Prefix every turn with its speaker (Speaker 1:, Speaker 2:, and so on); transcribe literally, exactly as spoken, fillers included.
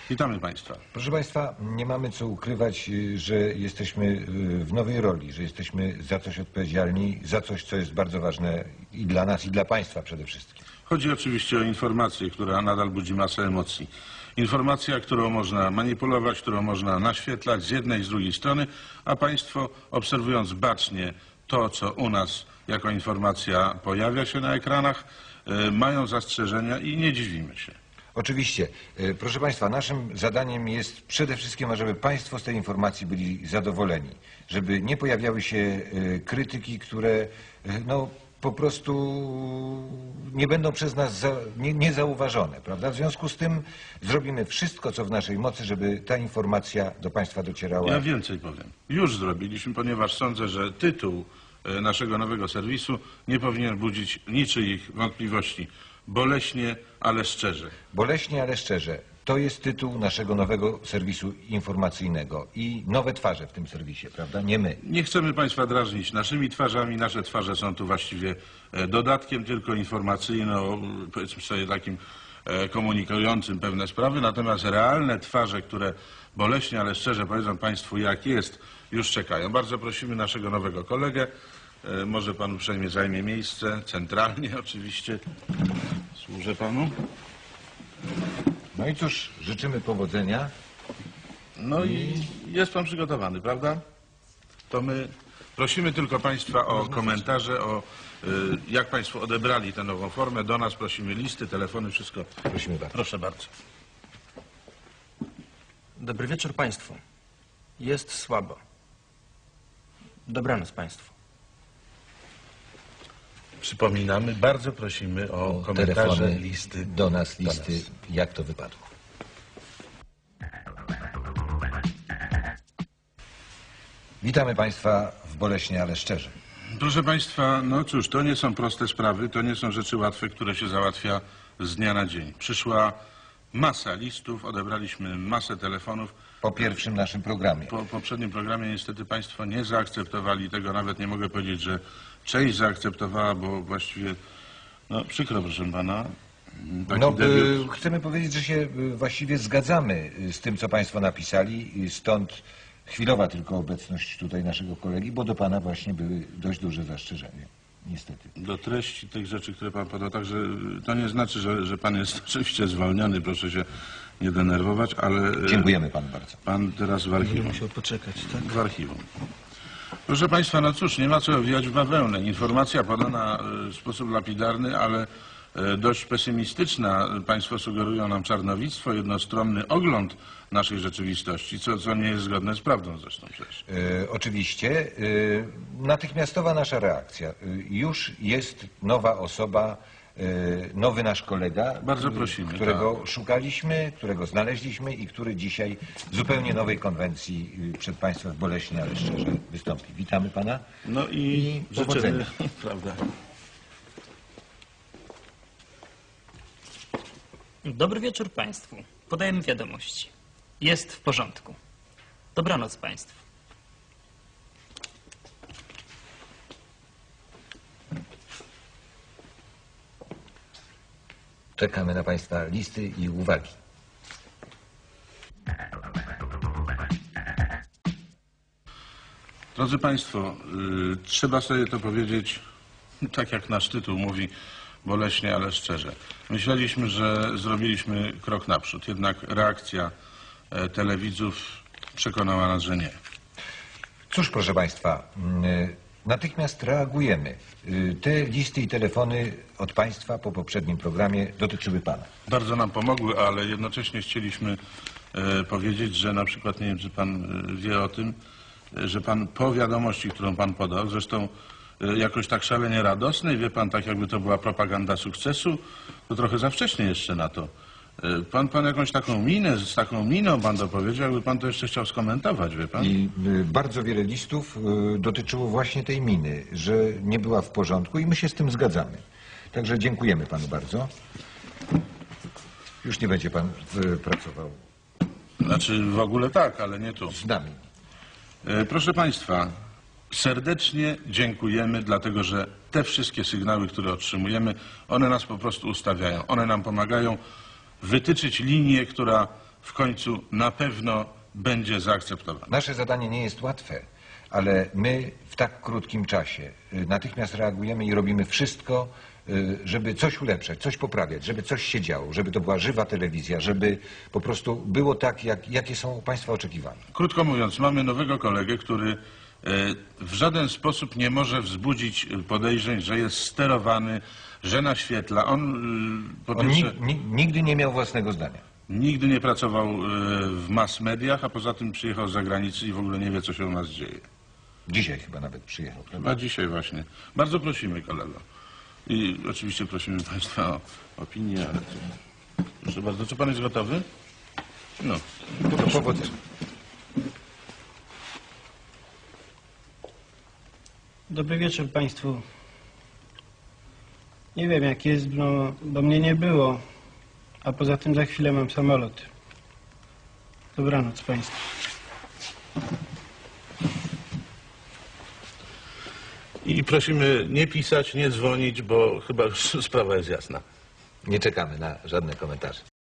Speaker 1: Witamy Państwa.
Speaker 2: Proszę Państwa, nie mamy co ukrywać, że jesteśmy w nowej roli, że jesteśmy za coś odpowiedzialni, za coś, co jest bardzo ważne i dla nas, i dla Państwa przede wszystkim.
Speaker 1: Chodzi oczywiście o informację, która nadal budzi masę emocji. Informacja, którą można manipulować, którą można naświetlać z jednej i z drugiej strony, a Państwo, obserwując bacznie to, co u nas jako informacja pojawia się na ekranach, mają zastrzeżenia i nie dziwimy się.
Speaker 2: Oczywiście. Proszę Państwa, naszym zadaniem jest przede wszystkim, żeby Państwo z tej informacji byli zadowoleni. Żeby nie pojawiały się krytyki, które no, po prostu nie będą przez nas za, nie, niezauważone, prawda? W związku z tym zrobimy wszystko, co w naszej mocy, żeby ta informacja do Państwa docierała.
Speaker 1: Ja więcej powiem. Już zrobiliśmy, ponieważ sądzę, że tytuł naszego nowego serwisu nie powinien budzić niczyich wątpliwości. Boleśnie, ale szczerze.
Speaker 2: Boleśnie, ale szczerze. To jest tytuł naszego nowego serwisu informacyjnego i nowe twarze w tym serwisie, prawda? Nie my.
Speaker 1: Nie chcemy Państwa drażnić naszymi twarzami. Nasze twarze są tu właściwie dodatkiem tylko informacyjno, powiedzmy sobie takim komunikującym pewne sprawy. Natomiast realne twarze, które boleśnie, ale szczerze powiedzą Państwu jak jest, już czekają. Bardzo prosimy naszego nowego kolegę. Może Pan uprzejmie zajmie miejsce, centralnie oczywiście. Służę Panu.
Speaker 2: No i cóż, życzymy powodzenia.
Speaker 1: No i jest Pan przygotowany, prawda? To my prosimy tylko Państwa o komentarze, o y, jak Państwo odebrali tę nową formę. Do nas prosimy listy, telefony, wszystko.
Speaker 2: Prosimy bardzo.
Speaker 1: Proszę bardzo.
Speaker 3: Dobry wieczór Państwu. Jest słabo. Dobranoc Państwu.
Speaker 1: Przypominamy, bardzo prosimy o, o komentarze,
Speaker 2: telefony,
Speaker 1: listy.
Speaker 2: Do nas listy,
Speaker 1: do nas.
Speaker 2: Jak to wypadło. Witamy Państwa w Boleśnie, ale szczerze.
Speaker 1: Proszę Państwa, no cóż, to nie są proste sprawy, to nie są rzeczy łatwe, które się załatwia z dnia na dzień. Przyszła masa listów, odebraliśmy masę telefonów.
Speaker 2: Po pierwszym naszym programie.
Speaker 1: Po poprzednim programie niestety Państwo nie zaakceptowali tego, nawet nie mogę powiedzieć, że część zaakceptowała, bo właściwie, no przykro proszę Pana. Taki
Speaker 2: No,
Speaker 1: debiut.
Speaker 2: chcemy powiedzieć, że się właściwie zgadzamy z tym, co Państwo napisali, stąd chwilowa tylko obecność tutaj naszego kolegi, bo do Pana właśnie były dość duże zastrzeżenia, niestety.
Speaker 1: Do treści tych rzeczy, które Pan podał, także to nie znaczy, że, że Pan jest oczywiście zwolniony, proszę się nie denerwować, ale...
Speaker 2: Dziękujemy Panu bardzo.
Speaker 1: Pan teraz w archiwum.
Speaker 3: Musiał poczekać, tak?
Speaker 1: W archiwum. Proszę Państwa, no cóż, nie ma co owijać w bawełnę. Informacja podana w sposób lapidarny, ale dość pesymistyczna. Państwo sugerują nam czarnowictwo, jednostronny ogląd naszej rzeczywistości, co, co nie jest zgodne z prawdą zresztą przecież.
Speaker 2: E, oczywiście. E, natychmiastowa nasza reakcja. E, już jest nowa osoba, e, nowy nasz kolega,
Speaker 1: Bardzo prosimy,
Speaker 2: którego
Speaker 1: tak.
Speaker 2: szukaliśmy, którego znaleźliśmy i który dzisiaj w zupełnie nowej konwencji przed Państwem boleśnie, ale szczerze wystąpi. Witamy Pana.
Speaker 1: No i,
Speaker 2: I
Speaker 1: życzymy,
Speaker 2: powodzenia.
Speaker 1: prawda.
Speaker 4: Dobry wieczór Państwu. Podajemy wiadomości. Jest w porządku. Dobranoc Państwu.
Speaker 2: Czekamy na Państwa listy i uwagi.
Speaker 1: Drodzy Państwo, y, trzeba sobie to powiedzieć, tak jak nasz tytuł mówi, boleśnie, ale szczerze. Myśleliśmy, że zrobiliśmy krok naprzód, jednak reakcja e, telewidzów przekonała nas, że nie.
Speaker 2: Cóż, proszę Państwa, y, natychmiast reagujemy. Y, te listy i telefony od Państwa po poprzednim programie dotyczyły Pana.
Speaker 1: Bardzo nam pomogły, ale jednocześnie chcieliśmy e, powiedzieć, że na przykład, nie wiem, czy Pan e, wie o tym, e, że Pan po wiadomości, którą Pan podał, zresztą e, jakoś tak szalenie radosnej, wie Pan, tak jakby to była propaganda sukcesu, to trochę za wcześnie jeszcze na to. E, pan, pan jakąś taką minę, z taką miną Pan to powiedział, jakby Pan to jeszcze chciał skomentować, wie Pan?
Speaker 2: I y, bardzo wiele listów y, dotyczyło właśnie tej miny, że nie była w porządku i my się z tym zgadzamy. Także dziękujemy Panu bardzo. Już nie będzie Pan y, pracował
Speaker 1: Znaczy w ogóle tak, ale nie tu.
Speaker 2: z nami.
Speaker 1: E, Proszę Państwa, serdecznie dziękujemy, dlatego że te wszystkie sygnały, które otrzymujemy, one nas po prostu ustawiają. One nam pomagają wytyczyć linię, która w końcu na pewno będzie zaakceptowane.
Speaker 2: Nasze zadanie nie jest łatwe, ale my w tak krótkim czasie y, natychmiast reagujemy i robimy wszystko, y, żeby coś ulepszać, coś poprawiać, żeby coś się działo, żeby to była żywa telewizja, żeby po prostu było tak, jak, jakie są Państwa oczekiwania.
Speaker 1: Krótko mówiąc, mamy nowego kolegę, który e, w żaden sposób nie może wzbudzić podejrzeń, że jest sterowany, że naświetla. On, e, po
Speaker 2: On
Speaker 1: pierwsze,
Speaker 2: nig, ni, nigdy nie miał własnego zdania.
Speaker 1: nigdy nie pracował e, w mass mediach, a poza tym przyjechał z zagranicy i w ogóle nie wie, co się u nas dzieje.
Speaker 2: Dzisiaj chyba nawet przyjechał.
Speaker 1: Chyba dzisiaj właśnie. Bardzo prosimy, kolego. I oczywiście prosimy Państwa o opinię, ale to... Proszę bardzo, czy Pan jest gotowy? No.
Speaker 2: To powodzenia.
Speaker 5: Dobry wieczór Państwu. Nie wiem jak jest, no, bo mnie nie było, a poza tym za chwilę mam samolot. Dobranoc Państwu.
Speaker 1: I prosimy nie pisać, nie dzwonić, bo chyba już sprawa jest jasna.
Speaker 2: Nie czekamy na żadne komentarze.